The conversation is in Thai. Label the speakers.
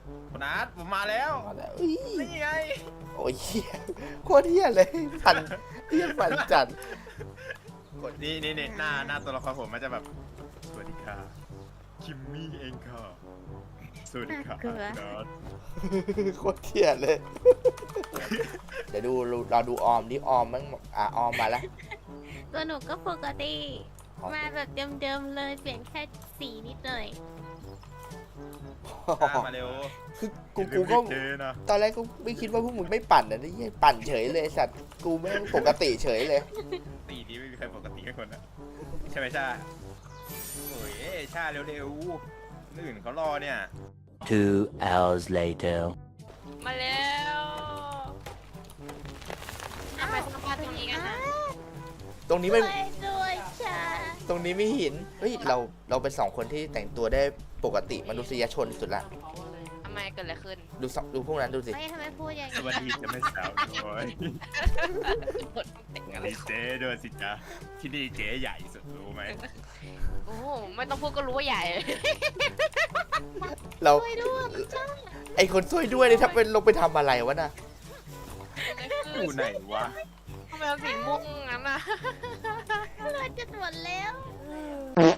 Speaker 1: คุณนัทผมมาแล้ว
Speaker 2: มาแล้วอุ๊ย
Speaker 1: นี่ไง
Speaker 2: โอ้ยเหี้ยโคตรเหี้ยเลยฝันเหี้ยฝันจัด
Speaker 1: กดนี่หน้าตัวละครผมมันจะแบบสวัสดีค่ะคิมมี่เองค่ะสวัสดีค่ะนัท
Speaker 2: โคตรเหี้ยเลย เดี๋ยวเราดูออมดิออมมั้งออมมาแล้ว
Speaker 3: ตัวหนูก็ปกติ
Speaker 2: อ๋อ
Speaker 3: มาแบบเดิมๆเลยเปลี่ยนแค่สีนิดหน่อย
Speaker 1: มาเร็ว
Speaker 2: คือกูก็
Speaker 1: เจนะ
Speaker 2: ตอนแรกก็ไม่คิดว่าพวกมึงไม่ปั่นนะนี่ปั่นเฉยเลยสัตว์กูแม่งปกติเฉยเลย
Speaker 1: ตีนี้ไม่มีใครปกติแค่คนนะใช่ไหมชาโอ้ยชาเร็วๆอื่นเขารอเนี่ย
Speaker 4: 2 hours later.
Speaker 5: มาแล้วทำไมสภาพตรงนี้กันนะ
Speaker 2: ตรงนี้มัน
Speaker 3: ช่วยด้วยจ้า
Speaker 2: ตรงนี้ไม่หินเฮ้ยเราเป็น2คนที่แต่งตัวได้ปกติมนุษยชนสุดละ
Speaker 5: ทำไมเกิดอะไรขึ้น
Speaker 2: ดูพวกนั้นดูสิ
Speaker 3: ไม่ทำไมพูดอย่าง
Speaker 1: ส
Speaker 3: นี้
Speaker 1: วัสดีจะไม่สาวน้อยมีเจ๊ด้วยสิจ๊ะที่นี่เจ๊ใหญ่สุดรู้ไหม
Speaker 5: โอ้โหไม่ต้องพูดก็รู้ว่าใหญ่
Speaker 2: เรา
Speaker 3: ช่วยด้วยจ้า
Speaker 2: ไอคนช่วยด้วยนี่ถ้าเป็นลงไปทำอะไรวะน่ะ
Speaker 1: อยู่ไหนวะ
Speaker 5: ทำไมเอาสีม่วงงั้นอ่ะ
Speaker 3: เราจะตรวจแล้ว